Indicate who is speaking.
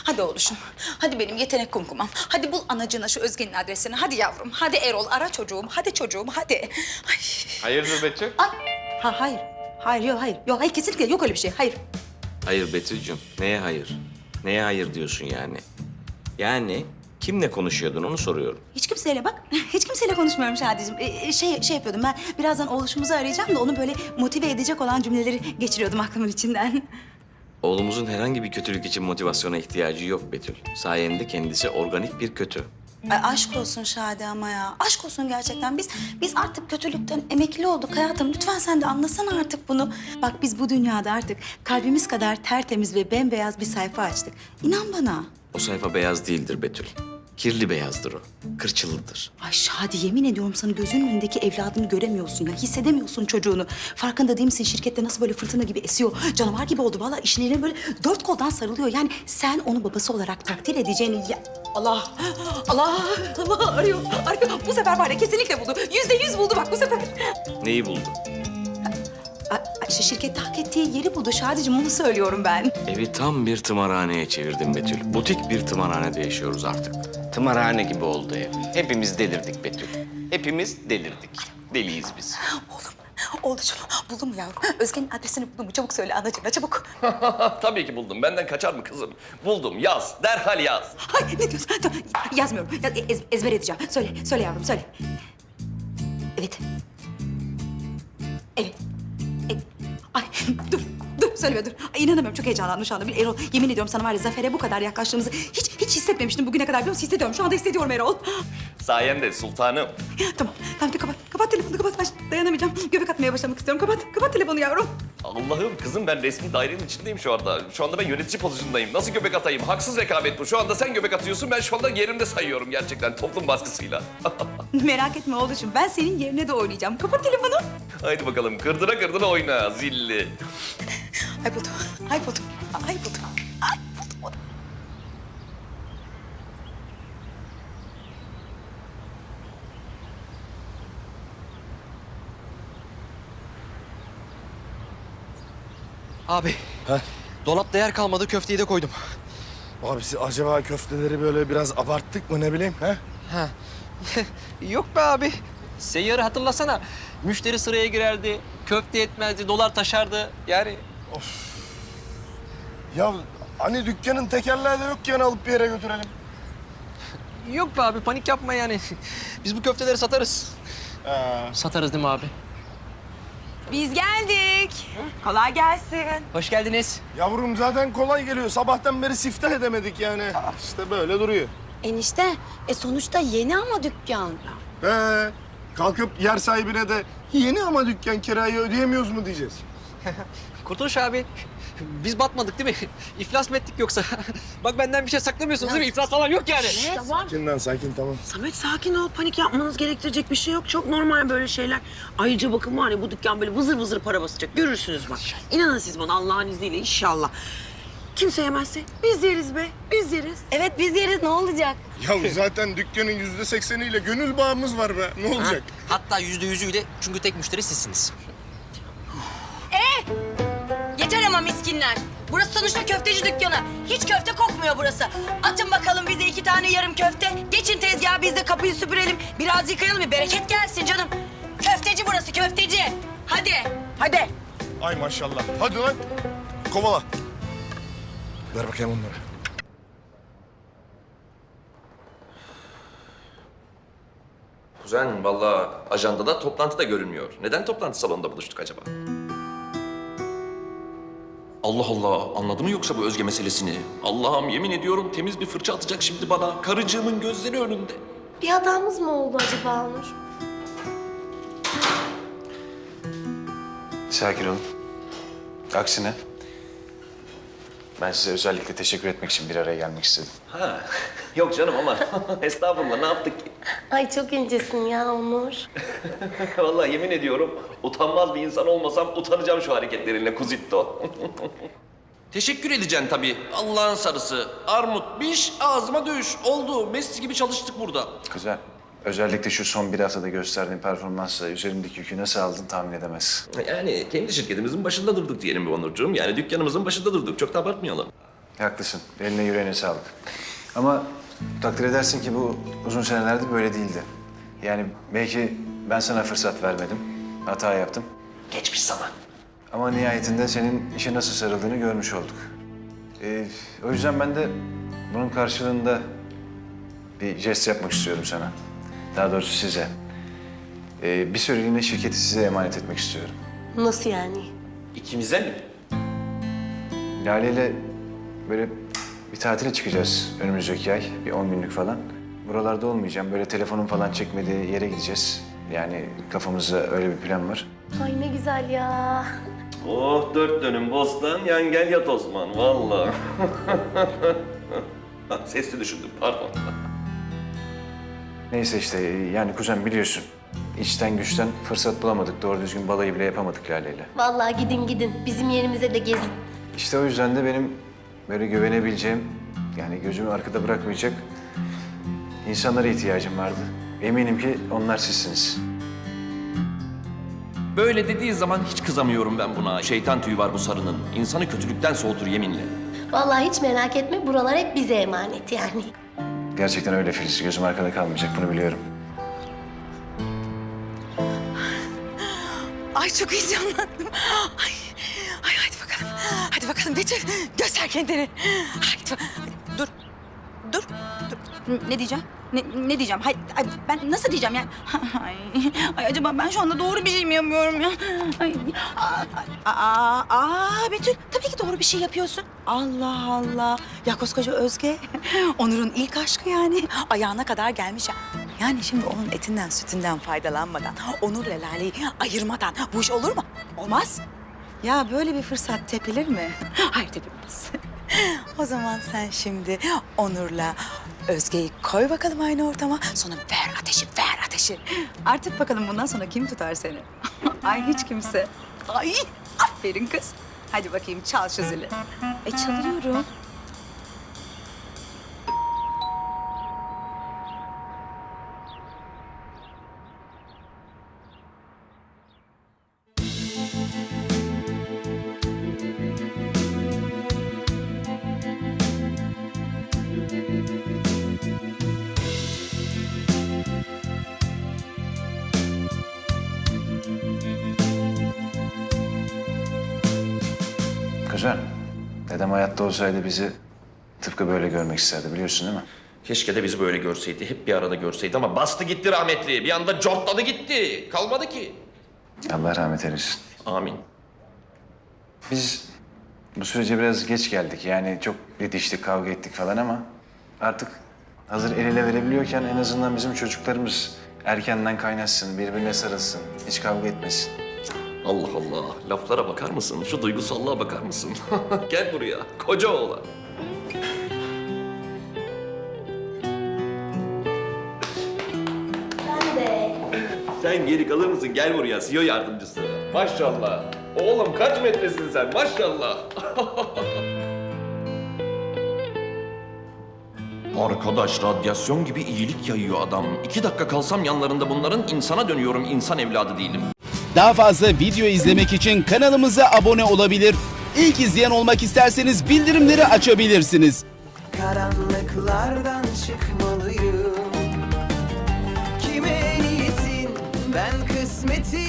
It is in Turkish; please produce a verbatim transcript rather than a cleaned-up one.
Speaker 1: Hadi oğluşum. Hadi benim yetenek kumkumam. Hadi bul anacığına şu Özge'nin adresini. Hadi yavrum. Hadi Erol ara çocuğum. Hadi çocuğum hadi. Ay.
Speaker 2: Hayırdır Betül?
Speaker 1: Ay. Ha hayır. Hayır yok hayır. Yok hayır kesinlikle yok öyle bir şey. Hayır.
Speaker 2: Hayır Betül'cüm. Neye hayır? Neye hayır diyorsun yani? Yani kimle konuşuyordun onu soruyorum.
Speaker 1: Hiç kimseyle bak. Hiç kimseyle konuşmuyorum Şadi'cim. Ee, şey şey yapıyordum ben. Birazdan oğluşumuzu arayacağım da onu böyle motive edecek olan cümleleri geçiriyordum aklımın içinden.
Speaker 2: Oğlumuzun herhangi bir kötülük için motivasyona ihtiyacı yok Betül. Sayende kendisi organik bir kötü.
Speaker 1: Ay aşk olsun Şadi ama ya. Aşk olsun gerçekten. Biz biz artık kötülükten emekli olduk hayatım. Lütfen sen de anlasana artık bunu. Bak biz bu dünyada artık kalbimiz kadar tertemiz ve bembeyaz bir sayfa açtık. İnan bana.
Speaker 2: O sayfa beyaz değildir Betül. Kirli beyazdır o. Kırçıllıdır.
Speaker 1: Ay Şadi yemin ediyorum sana gözünün önündeki evladını göremiyorsun ya. Hissedemiyorsun çocuğunu. Farkında değil misin şirkette nasıl böyle fırtına gibi esiyor. Canavar gibi oldu vallahi işin eline böyle dört koldan sarılıyor. Yani sen onu babası olarak takdir edeceğini... Ya... Allah! Allah! Allah arıyor, arıyor. Bu sefer var ya kesinlikle buldu. Yüzde yüz buldu bak bu sefer.
Speaker 2: Neyi buldu?
Speaker 1: Ay, ay, işte şirkette hak ettiği yeri buldu Şadi'cim onu söylüyorum ben.
Speaker 2: Evi tam bir tımarhaneye çevirdim Betül. Butik bir tımarhanede yaşıyoruz artık. Tımarhane gibi oldu ev. Hepimiz delirdik Betül. Hepimiz delirdik. Deliyiz biz.
Speaker 1: Oğlum, oğlucuğum buldun mu yavrum? Özge'nin adresini buldun mu? Çabuk söyle anacığına çabuk.
Speaker 3: Tabii ki buldum. Benden kaçar mı kızım? Buldum. Yaz. Derhal yaz.
Speaker 1: Ay ne diyorsun? Tamam, yazmıyorum. Yaz, ez- ezber edeceğim. Söyle, söyle yavrum söyle. Evet. Evet. E, ay dur, dur söyleme dur. Ay, inanamıyorum çok heyecanlandım şu anda. Bir Erol yemin ediyorum sana var ya Zafer'e bu kadar yaklaştığımızı hiç hiç hissetmemiştim bugüne kadar biliyor musun? Hissediyorum. Şu anda hissediyorum Erol.
Speaker 3: Sayende sultanım.
Speaker 1: Tamam, tamam de kapat. Kapat telefonu kapat. Ay, dayanamayacağım. Göbek atmaya başlamak istiyorum. Kapat, kapat telefonu yavrum.
Speaker 3: Allah'ım kızım ben resmi dairenin içindeyim şu anda. Şu anda ben yönetici pozisyondayım. Nasıl göbek atayım? Haksız rekabet bu. Şu anda sen göbek atıyorsun. Ben şu anda yerimde sayıyorum gerçekten toplum baskısıyla.
Speaker 1: Merak etme oğlum. Ben senin yerine de oynayacağım. Kapat telefonu.
Speaker 3: Haydi bakalım kırdıra kırdıra oyna zilli.
Speaker 1: Ay buldum. Ay buldum. Ay buldum. Ay buldum.
Speaker 4: Abi.
Speaker 5: Heh.
Speaker 4: Dolapta yer kalmadı, köfteyi de koydum.
Speaker 5: Abisi acaba köfteleri böyle biraz abarttık mı ne bileyim ha?
Speaker 4: Ha. Yok be abi. Seyyarı hatırlasana. Müşteri sıraya girerdi, köfte yetmezdi, dolar taşardı. Yani
Speaker 5: Ya hani dükkanın tekerleği de yok ki yani alıp bir yere götürelim.
Speaker 4: yok be abi, panik yapma yani. Biz bu köfteleri satarız.
Speaker 5: Ha.
Speaker 4: Satarız değil mi abi?
Speaker 6: Biz geldik. Kolay gelsin.
Speaker 4: Hoş geldiniz.
Speaker 5: Yavrum zaten kolay geliyor. Sabahtan beri siftah edemedik yani. İşte böyle duruyor.
Speaker 6: Enişte, e sonuçta yeni ama dükkan.
Speaker 5: He. Kalkıp yer sahibine de yeni ama dükkan kirayı ödeyemiyoruz mu diyeceğiz.
Speaker 4: Kurtuluş abi, biz batmadık değil mi? İflas mı ettik yoksa? Bak benden bir şey saklamıyorsunuz değil mi? İflas falan yok yani.
Speaker 6: Tamam.
Speaker 5: Sakin lan sakin tamam.
Speaker 7: Samet sakin ol. Panik yapmanız gerektirecek bir şey yok. Çok normal böyle şeyler. Ayrıca bakın var ya bu dükkan böyle vızır vızır para basacak. Görürsünüz bak. İnanın siz bana Allah'ın izniyle inşallah. Kimse yemezse biz yeriz be. Biz yeriz.
Speaker 6: Evet biz yeriz ne olacak?
Speaker 5: Ya zaten dükkanın yüzde sekseniyle gönül bağımız var be. Ne olacak?
Speaker 4: Hatta yüzde yüzüyle çünkü tek müşteri sizsiniz.
Speaker 6: Yeter ama miskinler. Burası sonuçta köfteci dükkanı. Hiç köfte kokmuyor burası. Atın bakalım bize iki tane yarım köfte. Geçin tezgaha biz de kapıyı süpürelim. Biraz yıkayalım bir bereket gelsin canım. Köfteci burası köfteci. Hadi. Hadi.
Speaker 5: Ay maşallah. Hadi lan. Kovala. Ver bakayım onları.
Speaker 3: Kuzen vallahi ajandada toplantı da görünmüyor. Neden toplantı salonunda buluştuk acaba? Allah Allah anladı mı yoksa bu Özge meselesini? Allah'ım yemin ediyorum temiz bir fırça atacak şimdi bana. Karıcığımın gözleri önünde.
Speaker 8: Bir hatamız mı oldu acaba Onur?
Speaker 9: Sakin olun. Aksine ben size özellikle teşekkür etmek için bir araya gelmek istedim.
Speaker 3: Ha yok canım ama estağfurullah ne yaptık ki?
Speaker 8: Ay çok incesin ya Onur.
Speaker 3: Vallahi yemin ediyorum utanmaz bir insan olmasam utanacağım şu hareketlerinle Kuzitto. Teşekkür edeceksin tabii. Allah'ın sarısı. Armut, biş, ağzıma düş. Oldu. Messi gibi çalıştık burada.
Speaker 9: Güzel. Özellikle şu son bir haftada gösterdiğin performansla üzerimdeki yükü nasıl aldın tahmin edemezsin.
Speaker 3: Yani kendi şirketimizin başında durduk diyelim bir Onurcuğum. Yani dükkanımızın başında durduk. Çok da abartmayalım.
Speaker 9: Haklısın. Eline yüreğine sağlık. Ama takdir edersin ki bu uzun senelerde böyle değildi. Yani belki ben sana fırsat vermedim. Hata yaptım.
Speaker 3: Geçmiş zaman.
Speaker 9: Ama nihayetinde senin işe nasıl sarıldığını görmüş olduk. Ee, o yüzden ben de bunun karşılığında bir jest yapmak istiyorum sana. Daha doğrusu size. Ee, bir süreliğine şirketi size emanet etmek istiyorum.
Speaker 8: Nasıl yani?
Speaker 3: İkimize mi?
Speaker 9: Lale ile böyle bir tatile çıkacağız önümüzdeki ay. Bir on günlük falan. Buralarda olmayacağım. Böyle telefonun falan çekmediği yere gideceğiz. Yani kafamızda öyle bir plan var.
Speaker 8: Ay ne güzel ya.
Speaker 3: Oh dört dönüm bostan, yan gel yat Osman. Vallahi. Sesli düşündüm, pardon.
Speaker 9: Neyse işte yani kuzen biliyorsun. İçten güçten fırsat bulamadık. Doğru düzgün balayı bile yapamadık Lale'yle.
Speaker 8: Vallahi gidin gidin. Bizim yerimize de gezin.
Speaker 9: İşte o yüzden de benim böyle güvenebileceğim, yani gözümü arkada bırakmayacak insanlara ihtiyacım vardı. Eminim ki onlar sizsiniz.
Speaker 3: Böyle dediği zaman hiç kızamıyorum ben buna. Şeytan tüyü var bu sarının. İnsanı kötülükten soğutur yeminle.
Speaker 8: Vallahi hiç merak etme. Buralar hep bize emanet yani.
Speaker 9: Gerçekten öyle Filiz. Gözüm arkada kalmayacak, bunu biliyorum.
Speaker 1: Ay çok heyecanlandım. Ay, ay hadi bakalım. Hadi bakalım Betül göster kendini. Hadi bak- dur. Dur. Dur. Ne diyeceğim? Ne, ne diyeceğim? Hay, ay, ben nasıl diyeceğim yani? Ay, ay acaba ben şu anda doğru bir şey mi yapıyorum ya? Ay, aa, aa, aa, Betül tabii ki doğru bir şey yapıyorsun. Allah Allah. Ya koskoca Özge. Onur'un ilk aşkı yani. Ayağına kadar gelmiş ya. Yani şimdi onun etinden sütünden faydalanmadan, Onur'la Lale'yi ayırmadan bu iş olur mu? Olmaz. Ya böyle bir fırsat tepilir mi? Hayır tepilmez. O zaman sen şimdi Onur'la Özge'yi koy bakalım aynı ortama. Sonra ver ateşi, ver ateşi. Artık bakalım bundan sonra kim tutar seni? Ay hiç kimse. Ay aferin kız. Hadi bakayım çal şu zili. E çalıyorum.
Speaker 9: Kuzen, dedem hayatta olsaydı bizi tıpkı böyle görmek isterdi, biliyorsun değil mi?
Speaker 3: Keşke de bizi böyle görseydi, hep bir arada görseydi ama bastı gitti rahmetli. Bir anda cortladı gitti. Kalmadı ki.
Speaker 9: Allah rahmet eylesin.
Speaker 3: Amin.
Speaker 9: Biz bu sürece biraz geç geldik. Yani çok didiştik, kavga ettik falan ama artık hazır el ele verebiliyorken en azından bizim çocuklarımız erkenden kaynaşsın, birbirine sarılsın, hiç kavga etmesin.
Speaker 3: Allah Allah. Laflara bakar mısın? Şu duygusallığa bakar mısın? Gel buraya. Koca oğlan.
Speaker 8: Ben de.
Speaker 3: Sen geri kalır mısın? Gel buraya. C E O yardımcısı. Maşallah. Oğlum kaç metresin sen? Maşallah. Arkadaş radyasyon gibi iyilik yayıyor adam. İki dakika kalsam yanlarında bunların insana dönüyorum. İnsan evladı değilim.
Speaker 10: Daha fazla video izlemek için kanalımıza abone olabilir. İlk izleyen olmak isterseniz bildirimleri açabilirsiniz.
Speaker 11: Karanlıklardan çıkmalıyım. Kime niyetin ben kısmetin